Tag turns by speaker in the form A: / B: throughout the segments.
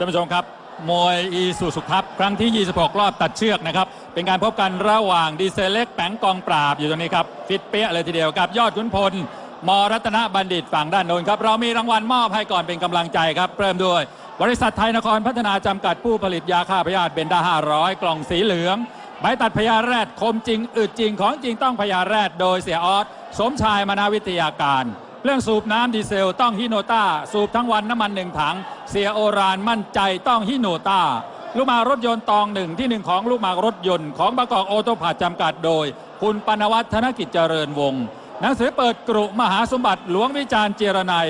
A: ท่านผู้ชมครับมวยอีซูซุครับครั้งที่ 26 รอบตัดเชือกนะครับเป็นการพบกันระหว่างดีเซลเล็กแป๋งกองปราบอยู่ตรงนี้ครับฟิตเปี้ยเลยทีเดียวกับยอดขุนพลมรัตนบัณฑิตฝั่งด้านโน้นครับเรามีรางวัลมอบให้ก่อนเป็นกำลังใจครับเริ่มด้วยบริษัทไทยนครพัฒนาจำกัดผู้ผลิตยาฆ่าพยาธิเบนด้า500กล่องสีเหลืองใบตัดพยาแรดคมจริงอึดจริงของจริงต้องพยาแรดโดยเสียออสสมชายมนาวิทยาการเรื่องสูบน้ำดีเซลต้องฮิโนต้าสูบทั้งวันน้ำมัน1 ถังเสียโอรานมั่นใจต้องฮิโนต้าลูกหมากรถยนต์ตองที่ 1ของลูกหมากรถยนต์ของบางกอกโอโตพาร์ทจำกัดโดยคุณปนวัฒน์ธนกิจเจริญวงศ์หนังสือเปิดกรุมหาสมบัติหลวงวิจารณ์เจรนัย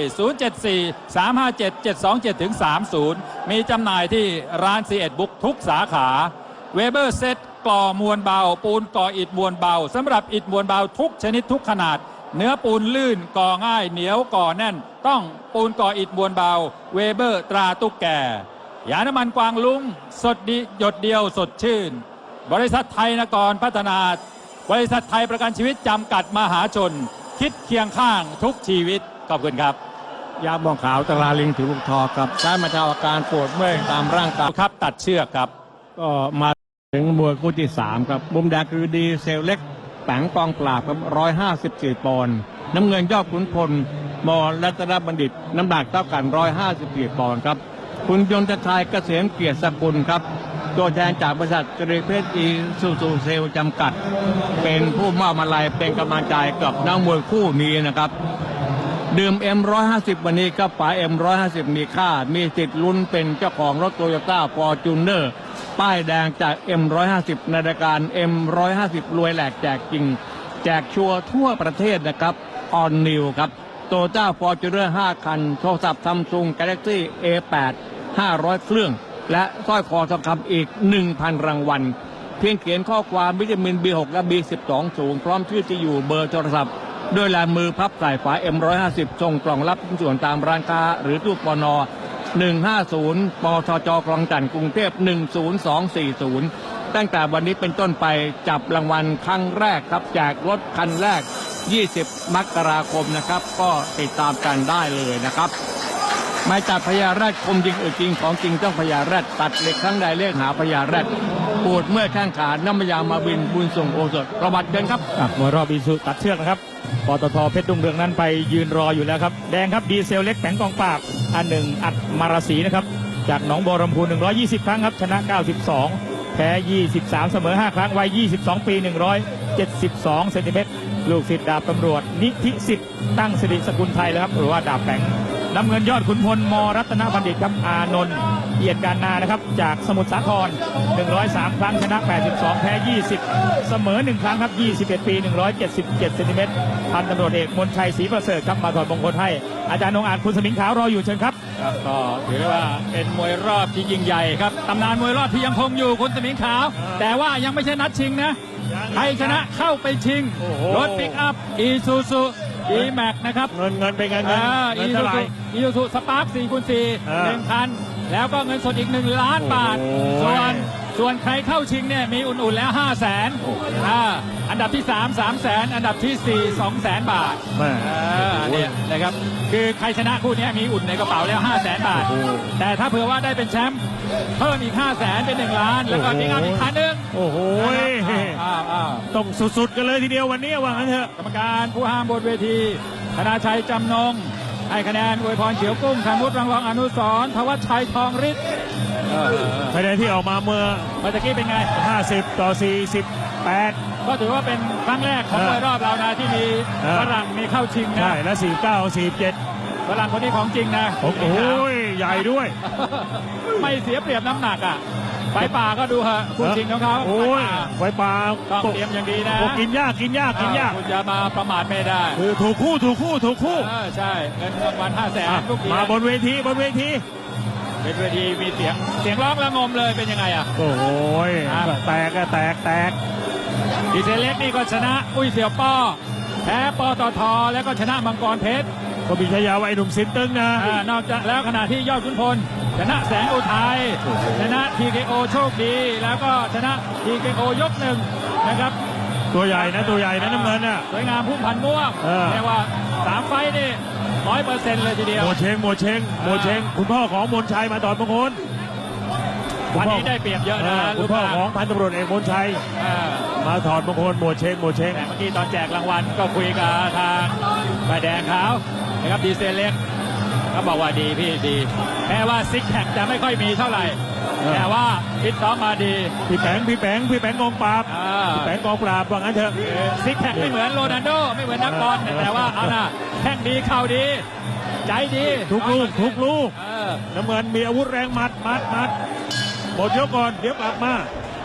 A: 074-357-727-30 มีจำหน่ายที่ร้านซีเอ็ดบุ๊กทุกสาขาเวเบอร์เซ็ตก่อมวลเบาปูนก่ออิฐมวลเบาสำหรับอิฐมวลเบาทุกชนิดทุกขนาดเนื้อปูนลื่นก่อง่ายเหนียวก่อแน่นต้องปูนก่ออิฐมวลเบาเวเบอร์ตราตุ๊กแกยาน้ำมันกวางลุงสดดีหยดเดียวสดชื่นบริษัทไทยนครพัฒนาบริษัทไทยประกันชีวิตจำกัดมหาชนคิดเคียงข้างทุกชีวิตขอบคุณครับ
B: ยาบองขาวตราลิงถือบุกทอกับใช้บรรเทาอาการปวดเมื่อยตามร่างกาย
A: ครับตัดเชือกครับ
B: ก็มาถึงมวยคู่ที่3ครับมุมแดงคือดีเซลเล็กแป๋งกองปราบครับ154 ปอนด์น้ำเงินยอดขุนพลมรัตนบัณฑิตน้ำหนักเท่ากัน154 ปอนด์ครับคุณยนต์ชัยเกษมเกียรติสกุลครับตัวแทนจากบริษัทจริเพชรอีซูซูเซลจำกัดเป็นผู้มอบมาลัยเป็นกำลังใจกับนักมวยคู่นี้นะครับดื่ม M150 วันนี้ก็ป๋า M150 มีค่ามีสิทธิ์ลุ้นเป็นเจ้าของรถโตโยต้าฟอร์จูเนอร์ป้ายแดงจาก M150 ในรายการ M150 รวยแหลกแจกจริงแจกชัวร์ทั่วประเทศนะครับออนนิวครับโตโยต้าฟอร์จูเนอร์5 คันโทรศัพท์ซัมซุง Galaxy A8 500 เครื่องและสร้อยคอทองคำอีก 1,000 รางวัลเพียงเขียนข้อความวิตามิน B6 และ B12 สูงพร้อมชื่อที่อยู่เบอร์โทรศัพท์ด้วยลายมือพับใส่ฝา M150 ส่งกล่องรับชิ้นส่วนตามร้านค้าหรือตู้ปน150ปทจคลองจันทน์กรุงเทพ10240ตั้งแต่วันนี้เป็นต้นไปจับรางวัลครั้งแรกครับแจกรถคันแรก20 มกราคมนะครับก็ติดตามกันได้เลยนะครับไม่จับพญาแรดคมจริงจริงของจริงต้องพญาแรดตัดเหล็กครั้งใดเรียกหาพญาแรดปวดเมื่อแข้งขาน้ำยามาบินบุญส่งโอสถประวัติเดินครับ
C: มวยรอบอีซูตัดเชือกนะครับปตทเพชรรุ่งเรืองนั้นไปยืนรออยู่แล้วครับแดงครับดีเซลเล็กแผงกองปราบอัน1อัดมาราศีนะครับจากหนองบัวลำพู120 ครั้งครับชนะ92แพ้23เสมอ5 ครั้งวัย22 ปี172เซนติเมตรลูกศิษย์ดาบตำรวจนิธิสิทธิ์ตั้งสิริสกุลไทยแล้วครับหรือว่าดาบแผงน้ำเงินยอดขุนพลมรัตนบัณฑิตครับอานนท์เอียดการนานะครับจากสมุทรสาคร103 ครั้งชนะ82แพ้20เสมอ1 ครั้งครับ21 ปี177เซนติเมตรพันตำรวจเอกมนชัยศรีประเสริฐครับมาถอดมงคลให้อาจารย์องอาจคุณสมิงขาวรออยู่เชิญครับ
A: ก็ถือว่าเป็นมวยรอบที่ยิ่งใหญ่ครับตำนานมวยรอบที่ยังคงอยู่คุณสมิงขาวแต่ว่ายังไม่ใช่นัดชิงนะใครชนะเข้าไปชิงรถปิกอัพอีซูซูอีแม็กนะครับ
C: เงินเป็นเงิน
A: อีซูซูสปาร์ค4x4 1 คันแล้วก็เงินสดอีก1 ล้านบาทส่วนใครเข้าชิงเนี่ยมีอุ่นๆแล้ว500,000อันดับที่3 300,000อันดับที่4 200,000 บาทเนี่ยนะครับคือใครชนะคู่นี้มีอุ่นในกระเป๋าแล้ว500,000 บาทแต่ถ้าเผื่อว่าได้เป็นแชมป์เพิ่มอีก500,000เป็น1 ล้านแล้วก็มีงานอีกคันนึง
C: โอ้โหต้องสุดๆกันเลยทีเดียววันนี้ว่างั้นเถอะ
A: กรรมการผู้ห้ามบนเวทีธนาชัยจำนงให้คะแนนอวยพรเฉียวกุ้งธนุษย์รังรองอนุสรณ์ทวัชชัยทองฤทธิ์
C: คะแนนที่ออกมาเมื่อ
A: ตะกี้เป็นไง
C: 50-48
A: ก็ถือว่าเป็นครั้งแรกของมวยรอบเรานะที่มีฝรั่งมีเข้าชิงนะ
C: ใช่และ49-47
A: ฝรั่งคนนี้ของจริงนะ
C: โอ้โหใหญ่ด้วย
A: ไม่เสียเปรียบน้ำหนักอ่ะไฟป่าก็ดูฮะคู่ชิงของเขา
C: โอ้ยไฟป่า
A: ต้องเตรียมอย่างดีนะ
C: กินยากคุณ
A: จะมาประมาทไม่ได้
C: คือถูกคู่
A: ใช่เงินรางวัล500,000ทุกที
C: มาบนเวที
A: เป็นเวทีมีเสียงร้องระงมเลยเป็นยังไงอ่ะ
C: โอ้โหแตก
A: ดีเซลเล็กนี่ก็ชนะอุ้ยเสี่ยวป้อแพ้ปตทแล้วก็ชนะมังกรเพชร
C: ก็มีฉายาว่าไอ้หนุ่มสินตึงนะ
A: นอกจากแล้วขณะที่ยอดขุนพลชนะแสงอุทัยชนะ TKO โชคดีแล้วก็ชนะ TKO ยก1นะครับ
C: ตัวใหญ่นะน้ำเงินน่ะ
A: สวยงามพุ่มพันม่วงเรียกว่า3 ไฟนี่100%เลยทีเดียว
C: โมเชงคุณพ่อของมนชัยมาตอดมงคล
A: วันนี้ได้เปรียบเยอะนะ
C: คุณพ่อของพันตำรวจเอกมนชัย
A: อ่า
C: มาถอดมงคลโมเชง
A: แต่เมื่อกี้ตอนแจกรางวัลก็คุยกับทางฝ่ายแดงเขานะครับดีเซลเล็กเขาบอกว่าดีพี่ดีแม้ว่าซิกแพคจะไม่ค่อยมีเท่าไหร่แต่ว่าฟิตซ้อมมาดี
C: พี่แปงกองปราบ พี่แปงกองปราบว่างั้นเถอะ
A: ซิกแพคไม่เหมือนโรนัลโดไม่เหมือนนักบอลแต่ว่าเอานะแข้งดีเข่าดี ใจดี
C: ทุกลูก
A: เออ
C: น้ำเงินมีอาวุธแรงหมัดหมดยกก่อนเดี๋ยวกลับมา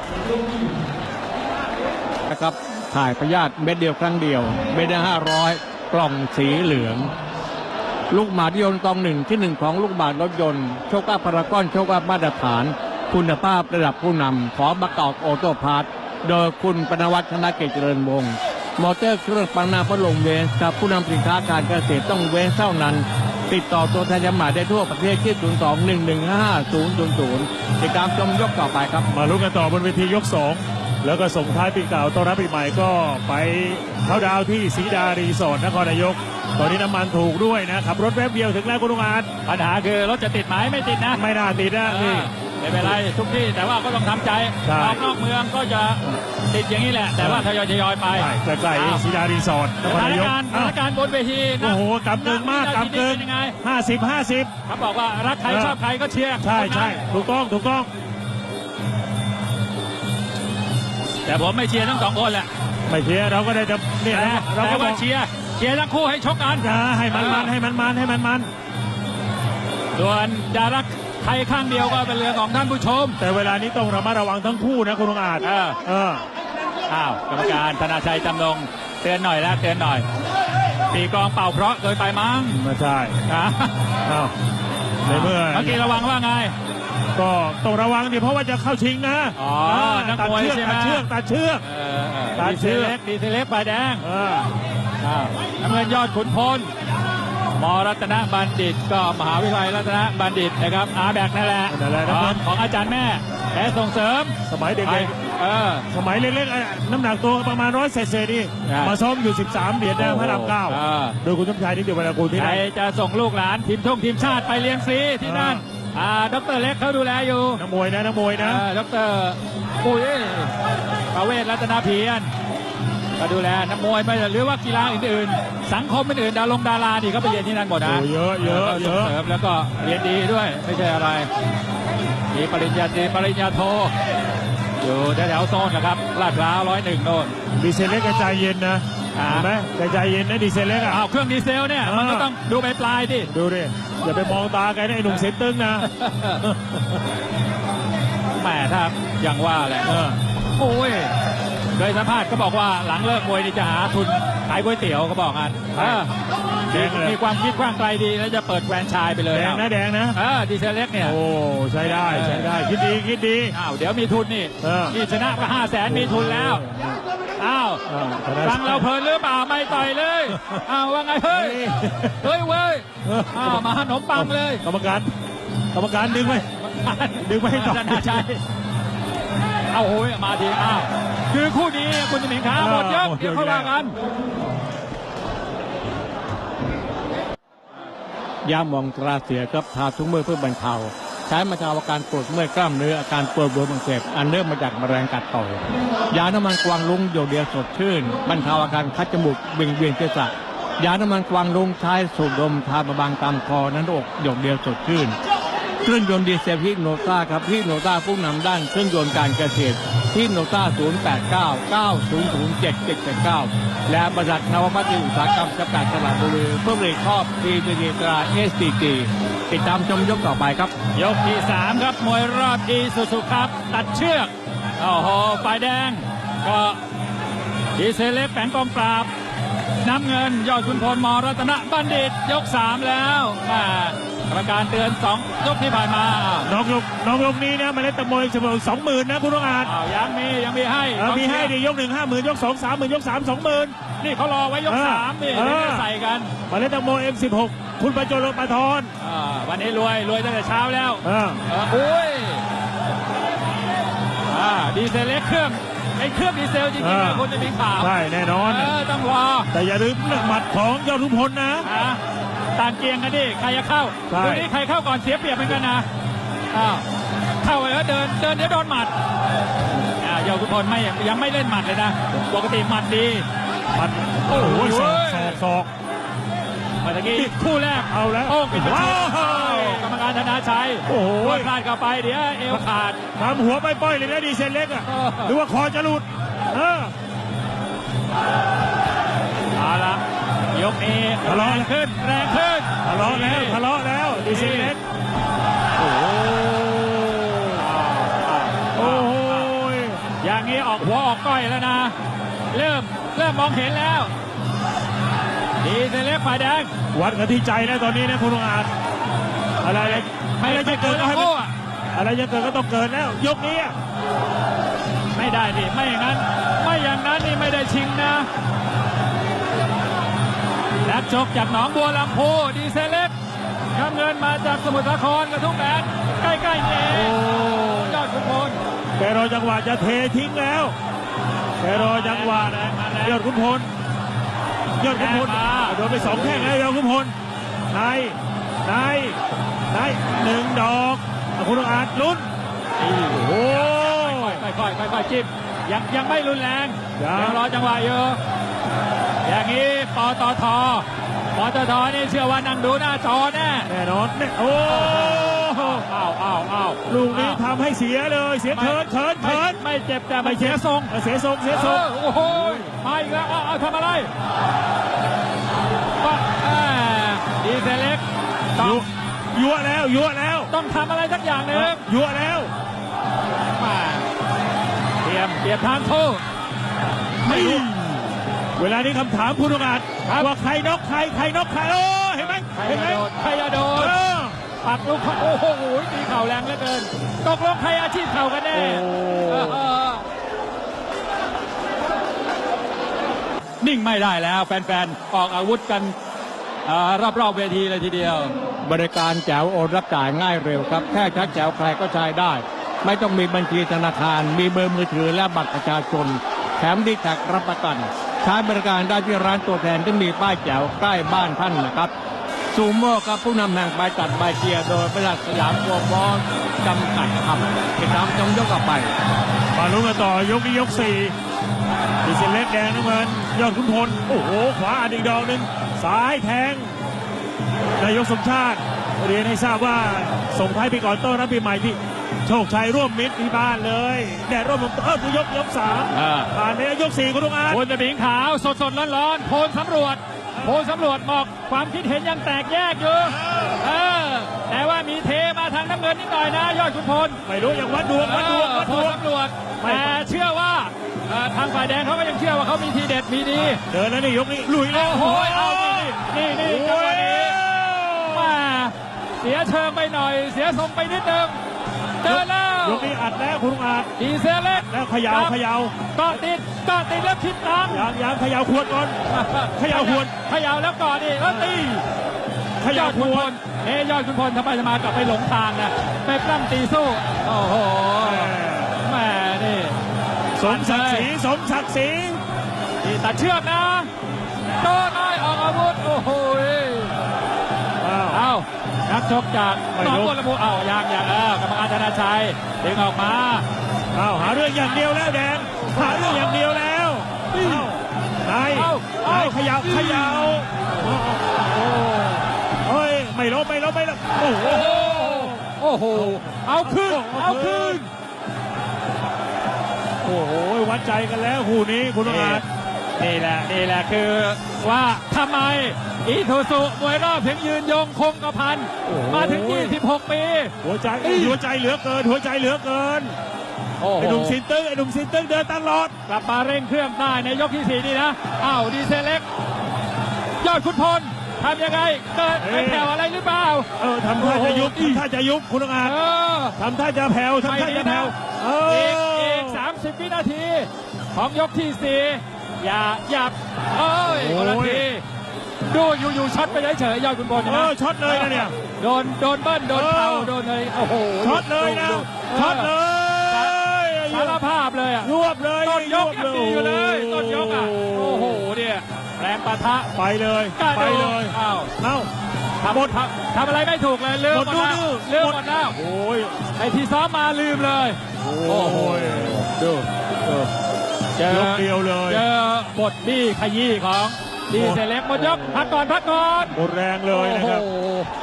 B: นะครับถ่ายพยาธิเม็ดเดียวครั้งเดียวเม็ดละ500 กล่องสีเหลือง ลูกหมากยนต์ตองที่หนึ่งของลูกหมากรถยนต์โชคอัพพารากอนโชคอัพมาตรฐาน คุณภาพระดับผู้นำของประกอบโอโต้พาร์ทโดยคุณปนวัฒน์ธนกิจเจริญวงศ์มอเตอร์เครื่องปังนาพัดลมเวสกับผู้นำสินค้าการเกษตรต้องเวสเท่านั้น ติดต่อตัวแทนจำหน่ายได้ทั่วประเทศที่ 02-115-5000 ติดตามชมยกต่อไปครับ
C: มาลุ้นกันต่อบนเวทียก 2 แล้วก็ส่งท้ายปีเก่าต้อนรับปีใหม่ก็ไปเข้าดาวที่ศรีดารีสอร์ทนครนายก ตอนนี้น้ำมันถูกด้วยนะขับรถแป๊บเดียวถึงแล้วคุณลุงอาจ
A: ปัญหาคือรถจะติดไหมไม่ติดนะ
C: ไม่น่าติดนะนี่
A: ไม่เป็นไรทุกที่แต่ว่าก็ต้องทำใจ
C: ใช่
A: ออกนอกเมืองก็จะติดอย่างนี้แหละ แต่ว่าทยอยไป
C: ใกล้ๆศรีดารีสอร์ทน
A: ส
C: ครายก
A: ถานการณ์สถานการณ์บนเวทีนะ
C: โอ้โหกำเกินมากกำเกิน
A: เป็นยังไง
C: 50
A: เขาบอกว่ารักใครชอบใครก็เชียร์
C: ใช่
A: คนนั้น
C: ถูกต้อง
A: แต่ผมไม่เชียร์ทั้งสองคนแหละ
C: ไม่เชียร์เราก็ได้แต่เนี่ย
A: แต่
C: นะเราก็บ
A: ว่า
C: อก
A: เชียร์ทั้งคู่ให้ชกกัน
C: ให้มัน
A: ส่วนจะรักใครข้างเดียวก็เป็นเรื่องของท่านผู้ชม
C: แต่เวลานี้ต้องระมัดระวังทั้งคู่นะคุณลุงอาจ
A: อ้าวกรรมการธนาชัยจำนงเตือนหน่อยแล้วเตือนหน่อยตีกลองเป่าเพราะเกินไปมั้ง
C: ไม่ใช่
A: อ่ะ
C: อ้าวในเมื่อ
A: เมื่อกี้ระวังว่าไง
C: ก็ต้องระวังดิเพราะว่าจะเข้าชิงนะ
A: อ๋อนัก
C: ตัด
A: มวย
C: เชือก
A: ใช่ไหม
C: ตัดเชือก ตาม
A: ดี
C: เชื
A: เซ
C: อก
A: เล็กดีเซเล็กฝ่ายแดง
C: เออ
A: น้ำเงินยอดขุนพลมรัตนบัณฑิตก็มหาวิทยาลัยรัตนบัณฑิตนะครับอาแบกนั่นแหละ
C: นั่นแหละนะครับ
A: ของอาจารย์แม่แพ้ส่งเสริม
C: สมัยเด็ก
A: เออ
C: ๆสมัยเล็กๆน้ำหนักตัวประมาณ100เศษๆนี่
A: ใช่
C: มาซ้อมอยู่13เหรียญนะพระรามเก้า
A: เออ
C: โดยคุณสมชายนิติวรรณกูลที่
A: ใคร
C: นั่น
A: จะส่งลูกหลานทีมชาติไปเรียนฟรีที่นั่นดรเล็กเขาดูแลอยู่
C: นักมวยนะ
A: ดรปุ้ยประเวศรัตนเพียรก็ดูแลนักมวยไปหรือว่ากีฬาอื่นๆ สังคมอื่นๆดารานี่ก็ไปเรียนที่นั่นหมดนะ
C: โอ้เยอะ
A: ส่งเสริมแล้วก็เรียนดีด้วยไม่ใช่อะไรมีปริญญาตรีปริญญาโทอยู่แถวๆโซนนะครับลาดพร้าว101โน่น
C: ดีเซลเล็กกระจายเย็นนะ
A: อ่า
C: เห็นไหมกระจายเย็นนะดีเซลเล็กอ่ะ
A: อ้าวเครื่องดีเซลเนี่ยมันก็ต้องดูปลายๆดิ
C: ดูดิอย่าไปมองตาแกนะไอ้หนุ่มเซนตึงนะ
A: แหมถ้าอย่างว่าแหละโอ้ยโดยสัมภาษณ์ก็บอกว่าหลังเลิกมวยนี่จะหาทุนขายก๋วยเตี๋ยวเขาบอกงั้นมีความคิดกว้างไกลดีแล้วจะเปิดแฟรนไชส์ไปเลย
C: แดงนะ
A: ดีเซลเล็กเนี่ย
C: โอ้ใช้ได้คิดดี
A: อ้าวเดี๋ยวมีทุนนี่ นี่ชนะก็500,000มีทุนแล้วอ้าว ฟังเราเพลินหรือเปล่าไม่ต่อยเลยอ้าวว่าไงเฮ้ยเว้ยอ้าวมาขนมปังเลย
C: กรรมการดึงไว้ให้ต่อ
A: ธนาชัยเอาโอ้ยมาทีอ้าวคือคู่นี้คุณจะเหม็นขาหมดยกเดี๋ยวเขาว่ากัน
B: ยาหมองตราเสียครับทาทุกมือเพื่อบรรเทาใช้บรรเทาอาการปวดเมื่อยกล้ามเนื้ออาการปวดบวมอักเสบอันเนื่องมาจากแมลงกัดต่อยยาน้ำมันกวางลุงโยเดียวสดชื่นบรรเทาอาการคัดจมูกเวียนศีรษะยาน้ำมันกวางลุงใช้สูดดมทาบางตามคอนั้นอกโยเดียวสดชื่นเครื่องยนต์ดีเซลฮิโนต้าครับฮิโนต้าผู้นำด้านเครื่องยนต์การเกษตรฮิโนต้า0899007779และบริษัทนวพัฒน์อุตสาหกรรมจำกัดตลาดบุรีเพื่อผลิตครอบทีดีตรา SDG ติดตามชมยกต่อไปครับ
A: ยกที่3ครับมวยรอบอีซูซูครับตัดเชือกโอ้โหฝ่ายแดงก็ดีเซลเล็กแฝงกองปราบน้ำเงินยอดขุนพลมรัตนบัณฑิตยก3แล้วกรรมการเตือน2ยกที่ผ่านมา
C: น้องยกนี้นะมาเล่นตะมวยเสมอ20,000นะคุณลุงอาจ
A: ยังมีให้
C: มีให้ดิยก1 50,000ยก2 30,000ยก3 20,000
A: นี่เขารอไว้ยก3นี่ใส่กัน
C: มาเล่นตะมวย M16 คุณประโจรปาทร
A: วันนี้รวยตั้งแต่เช้าแล้วโอ้ยดีเซลเล็กเครื่องดีเซลจริงๆนะคุณจะมีข่าว
C: ใช่แน่นอน
A: ต้องรอ
C: แต่อย่าลืมเรื่องหมัดของยอดขุนพลนะ
A: ต่างเกียงกันดิใครจะเข้าดูนี่ใครเข้าก่อนเสียเปรียบเหมือนกันนะเข้าไปยวเดินเดี๋ยวโดนหมัดยอดขุนพลยังไม่เล่นหมัดเลยนะปกติหมัดดี
C: หมัดโอ้โหศอก
A: เมื่อกี้คู่แรก
C: เอาแล้ว
A: โอ้ปิด
C: ว้าว
A: กรรมการธนาชัย
C: โอ้โห
A: พลาดเข้าไปเดี๋ยวเอวขาด
C: ทำหัวไปป้อยเลยนะดีเซลเล็กอ่ะ
A: เออ
C: หรือว่าคอจะหลุด
A: เอาละยกนี้
C: ทะเลาะ
A: แรงขึ้น
C: ทะเลาะแล้วดีเซลเล็กโอ้โหโอ้โห
A: อย่างนี้ออกหัวออกก้อยแล้วนะ เริ่มมองเห็นแล้วดีเซเล็กฝ่ายแดง
C: วัดกันที่ใจแล้วตอนนี้นะคุณองอาจอะไรจะเกิดก็ให้มันอะไรจะเกิดก็ต้องเกิดแล้วยกนี้อะ
A: ไม่ได้ดิไม่อย่างนั้นนี่ไม่ได้ชิงนะนักชกจากหนองบัวลำพูดีเซเล็กน้ำเงินมาจากสมุทรสาครกระทุ่มแบนใกล้ๆนี่เองยอดขุนพล
C: แกรอจังหวะจะเททิ้งแล้วแกรอจังหวะยอดขุนพลโดนไป2แข้งแล้วยอดขุนพลในหนึ่งดอกคุณองอาจลุ้นโอ้โห
A: ค่อยจิ้มยังไม่รุนแรง
C: ยัง
A: รอจังหวะอยู่อย่างนี้ปตทนี่เชื่อว่านั่งดูหน้าจอแน่
C: แน่นอนเนี่ยโอ้ลูกนี้ทำให้เสียเลยเสียเขิน
A: ไม่เจ็บแต่ไม่เสียทรง
C: เสียทรง
A: โอ้โหมาอีกแล้วเอาทำอะไรดีเซเล็กต้อง
C: ยั่วแล้ว
A: ต้องทำอะไรสักอย่างหนึ่ง
C: ยั่วแล้ว
A: มาเตรียมทางโทษ
C: ไม่รู้เวลานี้คำถามคุณองอาจว่าใครน็อกใครโอ้เห็นไหม
A: ใครจะโดนปักลูกโอ้โหตีเข่าแรงเหลือเกินตกลงใครอาชีพเข่ากันแน่นิ่งไม่ได้แล้วแฟนๆออกอาวุธกันรอบเวทีเลยทีเดียว
B: บริการแจ๋วโอนรับจ่ายง่ายเร็วครับแค่ชักแจ๋วใครก็ใช้ได้ ไม่ต้องมีบัญชีธนาคารมีเบอร์มือถือและบัตรประชาชนแถมดีแท็กรับประกันใช้บริการได้ที่ร้านตัวแทนที่มีป้ายแจ๋วใกล้บ้านท่านนะครับซูโม่กับผู้นำแห่งใบจัดใบเชียร์โดยบริษัทสยามวอร์บอลจำกัดครับติดตามชมยกต่อไป
C: มาลุ้นกันต่อยกนี้ยก4ดีเซลเล็กแดงน้ำเงินยอดขุนพลโอ้โหขวาอีกดอกหนึ่งซ้ายแทงนายกสมชาติเรียนให้ทราบว่าส่งท้ายปีก่อนต้อนรับปีใหม่ที่โชคชัยร่วมมิตรที่บ้านเลยแดดร่วมยก3ผ่านไปยก4คุณลุงอาจ
A: โพลตะบิงขาวสดร้อนๆโพลสำรวจบอกความคิดเห็นยังแตกแยกอยู่แต่ว่ามีเทมาทางน้ำเงินนิดหน่อยนะยอดขุนพล
C: ไม่รู้อย่างวัดดวง
A: โพลสำรวจแต่เชื่อว่าทางฝ่ายแดงเขาก็ยังเชื่อว่าเขามีทีเด็ดมีดี
C: เดินแล้วนี่ยกนี้ลุยแล้ว
A: โอ้โหเอานี่จังหวะนี้มาเสียเชิงไปหน่อยเสียทรงไปนิดนึงเดินแล้ว
C: ยกนี้อัดแล้วคุณลุงอาจ
A: ดีเซลเล็ก
C: แล้วเขย่า
A: ก็ติดแล้วคิดตาม
C: ยังเขย่าขวดก่อนเขย่าขวด
A: เขย่าแล้วก่อนนี่แล้วตี
C: เขย่าขวด
A: ยอดขุนพลทำไมจะมากลับไปหลงทางนะไปปล้ำตีสู้โอ้โหแม่นี่
C: สมศักดิ์ศรี
A: นี่ตัดเชือกนะโดนน้อยออกอาวุธโอ้โหเอานักชกจากหนองบัวลำพูอย่างกรรมการธนาชัยดึงออกมา
C: หาเรื่องอย่างเดียวแล้วแดงหาเรื่องอย่างเดียวแล้วนายเขย่าเฮ้ยไม่ลบโอ้โห
A: เอาขึ้น
C: โอ้โหวัดใจกันแล้วคู่นี้คุณองอาจ
A: นี่แหละคือว่าทำไมอีทูซุมวยรอบถึงยืนยงคงกระพันมาถึง26 ปี
C: หัวใจเหลือเกินไอ้หนุ่มซินตึ้งเดินตลอด
A: กลับมาเร่งเครื่องได้ในยกที่4นี่นะดีเซลเล็กยอดขุนพลทำยังไงเกิดไปแผ่วอะไรหรือเปล่า
C: ทำท่าจะยุบคุณองอาจทำท่าจะแผ่ว
A: อีก30 วินาทีของยกที่4อย่าคนละทีดูอยู่ช็อตไปเฉยๆยอดขุนพลนะ
C: ช็อตเลยนะเนี่ย
A: โดนเบิ้ลโดนเข่าโดนเลยโอ้โห
C: ช็อตเลยนะช็อตเลย
A: สารภาพเลย
C: รวบเลย
A: ต้นยกยังดีอยู่เลยต้นยกโอ้โหเนี่ยแรงปะทะ
C: ไปเลย
A: เอ้าทำอะไรไม่ถูกเลยลืมหมดแล้วลืมหมดแล้ว
C: โอ้ย
A: ไอที่ซ้อมมาลืมเลย
C: โอ้โห
A: ดูเจอย
C: กเดียวเลย
A: เจอบทบี้ขยี้ของดีเซเล็กหมดยกพักก่อน
C: หมดแรงเลยนะครับ
A: โอ้โห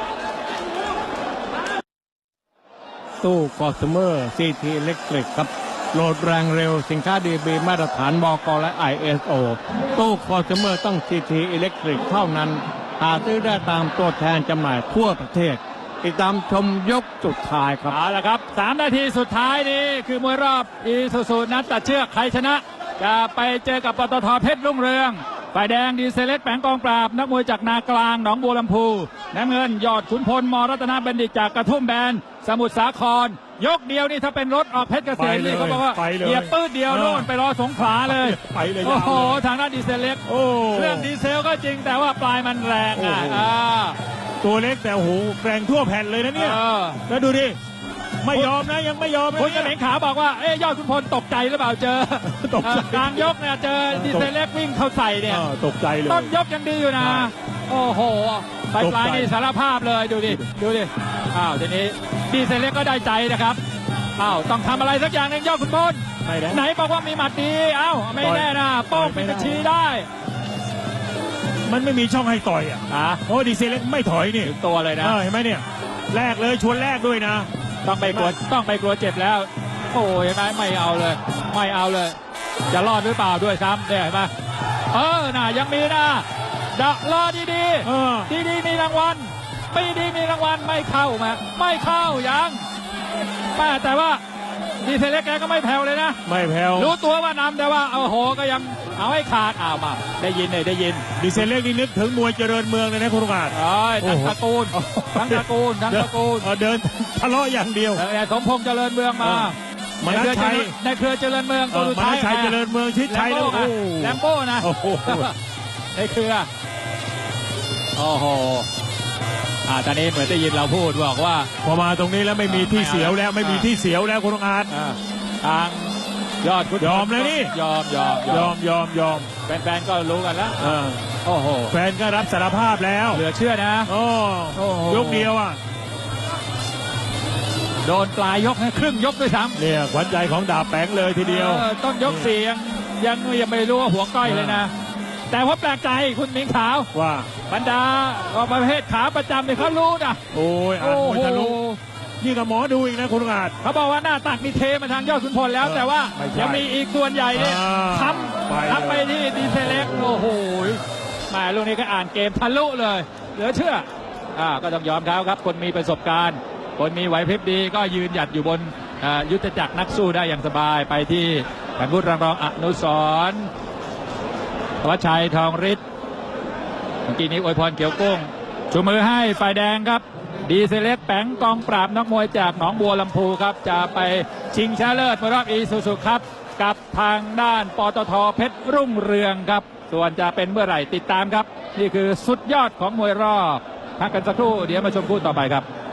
B: ตู้คอสเมอร์ซีทีเล็กทริกครับโหลดแรงเร็วสินค้าดีบีมาตรฐานบกและ ISO ตู้คอสเมอร์ต้องซีทีอิเล็กทริกเท่านั้นหาซื้อได้ตามตัวแทนจำหน่ายทั่วประเทศติดตามชมยกสุดท้ายครับ
A: เอาละครับ3 นาทีสุดท้ายนี้คือมวยรอบอีซูซูนัดตัดเชือกใครชนะ จะไปเจอกับปตทเพชรรุ่งเรืองฝ่ายแดงดีเซเล็กแปงกองปราบนักมวยจากนากลางหนองบัวลำพูน้ำเงินยอดขุนพลมรัตนบัณฑิตจากกระทุ่มแบนสมุทรสาครยกเดียวนี่ถ้าเป็นรถออกเพชรเกษมนี่เขาบอกว่า
C: ไปเลย
A: เหยียบปื้ดเดียวโน่นไปรอสงขลาเลย
C: ไปเลย
A: โอ้โห
C: ยาวเลย
A: ทางด้านดีเซเล็ก
C: โอ้
A: เครื่องดีเซลก็จริงแต่ว่าปลายมันแรงอ่ะ
C: โอ้โห
A: อ่า
C: ตัวเล็กแต่โอ้โหแรงทั่วแผ่นเลยนะเนี่ย
A: เออ
C: แล้วดูดิ ไม่ยอมนะยังไม่ยอมนะ
A: คุณกระเห
C: เนี่
A: ม็
C: ย
A: นขาวบอกว่าเอ๊ยยอดขุนพลตกใจหรือเปล่าเจอ
C: ตกใจ
A: กลางยกเนี่ยเจอดีเซเล็กวิ่งเข้าใส่เนี่ย
C: ตกใจเลย
A: ต้นยกยังดีอยู่นะ
C: ใช่
A: โอ้โหปลาย
C: ตกใจ
A: ปลายนี่สารภาพเลยดูดิดูดิอ้าวทีนี้ดีเซเล็กก็ได้ใจนะครับอ้าวต้องทำอะไรสักอย่างหนึ่งยอดขุนพล
C: ไม่ได้
A: ไหนบอกว่ามีหมัดดีเอ้าไม่แน่นะ
C: ต่
A: โป้
C: อย
A: ง
C: ไม่
A: ปิด
C: ได้
A: บัญชีได้
C: มันไม่มีช่องให้ต่อยอ่ะ
A: อ่ะ
C: เพราะว่าดีเซลเล็กไม่ถอยนี่
A: ถึงตัวเลยนะ
C: เห็นไหมเนี่ยแรกเลยชวนแรกด้วยนะ
A: ต้องไปกลัวเจ็บแล้ว โอ้ยเห็นไหมไม่เอาเลย ไม่เอาเลย จะรอดหรือเปล่าด้วยซ้ำเนี่ยเห็นไหมน่ะยังมีนะรอดี
C: เออ
A: ดีมีรางวัลปีดีมีรางวัลไม่เข้ามาไม่เข้ายังแม่แต่ว่าดีเซเล็กแกก็ไม่แผ่วเลยนะ
C: ไม่แผ่ว
A: รู้ตัวว่านำแต่ว่าโอ้โหก็ยังเอาให้ขาดมาได้ยินเลยได้ยิน
C: ดีเซลเล็กนี่นึกถึงมวยเจริญเมืองเลยนะคุณลุงอาจ
A: โอ้ยทั้ง
C: โอ้โห
A: ตระกูลทั้งตระกูลทั้งตระกูล
C: เดินทะเลาะอย่างเดียว
A: สมพงษ์เจริญเมืองมา
C: มนัสชัย
A: ในเครือเจริญเมืองตัวสุด
C: ม
A: ท้า
C: นั
A: ย
C: สชัยเจริญเมืองชิดชัยแล้ว
A: แลมโบ้นะ
C: โอ้โห
A: ในเครือโอ้โหตอนนี้เหมือนได้ยินเราพูดบอกว่า
C: พอมาตรงนี้แล้วไม่มีที่เสียวแล้วไม่มีที่เสียวแล้วคุณลุงอาจ
A: ทางยอดคุณ
C: ยอมแล้วนี่
A: ยอม
C: ยอม
A: แฟนๆก็รู้กันแล้ว
C: เออ
A: โอ้โห
C: แฟนก็รับสารภาพแล้ว
A: เหลือเชื่อนะ
C: โอ้
A: โอ้โห
C: ยกเดียวอ่ะ
A: โดนปลายยกนะครึ่งยกด้วยซ้ำ
C: เนี่ยขวัญใจของดาบแปงเลยทีเดียว
A: ต้นยกเสียงยังไม่รู้ว่าหัวก้อยเลยนะ แต่ว่าแปลกใจคุณหมิงขาว
C: ว่า
A: บรรดาประเภทขาประจำเนี่ยเขารู้นะ
C: โอ้ยอ่านมวยทะลุนี่กับหมอดูอีกนะคุณลุงอาจ
A: เขาบอกว่าหน้าตักนี่เทมาทางยอดขุนพลแล้ว แต่ว่า
C: ไม่ใช่
A: ยังมีอีกส่วนใหญ่เนี่ย
C: อ่า
A: ทำไปที่ดีเซเล็กโอ้โหแหมลูกนี้ก็อ่านเกมทะลุเลย เหลือเชื่อก็ต้องยอมเขาครับคนมีประสบการณ์ คนมีไหวพริบดีก็ยืนหยัดอยู่บนยุทธจักรนักสู้ได้อย่างสบายไปที่ท่านผู้รองอนุสรณ์วัชชัยทองฤทธิ์เมื่อกี้นี้อวยพรเกี่ยวกุ้งชูมือให้ฝ่ายแดงครับดีเซเล็กแปงกองปราบนักมวยจากหนองบัวลำพูครับจะไปชิงชนะเลิศรอบอีซูซูครับกับทางด้านปตทเพชรรุ่งเรืองครับส่วนจะเป็นเมื่อไหร่ติดตามครับนี่คือสุดยอดของมวยรอบพักกันสักครู่เดี๋ยวมาชมคู่ต่อไปครับ